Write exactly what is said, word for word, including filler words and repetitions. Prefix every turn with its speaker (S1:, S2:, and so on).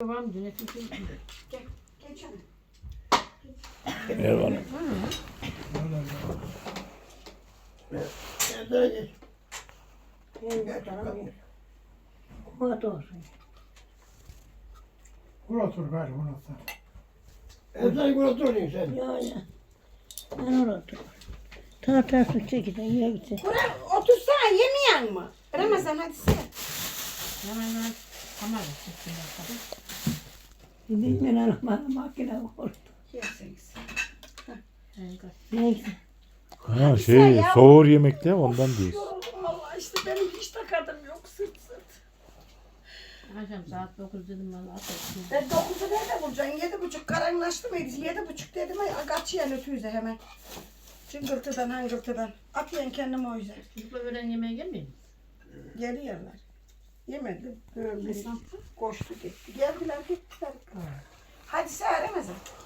S1: Var mı? Nefesim.
S2: Gel, geç hadi.
S3: Ver bana.
S4: Nereye geç?
S2: Yenge canım.
S4: Kumat olsun.
S5: Kur otur gayrı kur otur.
S4: Ezan kur oturuyorsun sen.
S6: Ya ya. Ben orada oturuyorum. Tahta su çekiden yiye gitsin.
S2: Buraya otursana yemeyen mi? Ramazan hadi sen.
S1: Hemen hemen kamera çıksın bakalım.
S6: Gidip ben anam makine oldu.
S2: Yerseniz.
S6: Neyse.
S3: Ha şey soğur yemekte ondan değil.
S2: Yoruldum valla işte benim hiç takadım yok sırt sırt.
S1: Akşam saat dokuz dedim bana atarsın.
S2: Ben dokuzu nerede bulacaksın? Yedi buçuk karanlaştı mıydı? Yedi buçuk dedim ay kaçıyan ötüyüze hemen. Çıngırtıdan hangırtıdan. Atıyorsun kendimi o yüzden.
S1: Çocukla öğlen yemeğe gelmiyor musun?
S2: Geliyorlar. Yemedim. Böyle koştu gitti. Geldiler gittiler. Hadi sen Ramazan.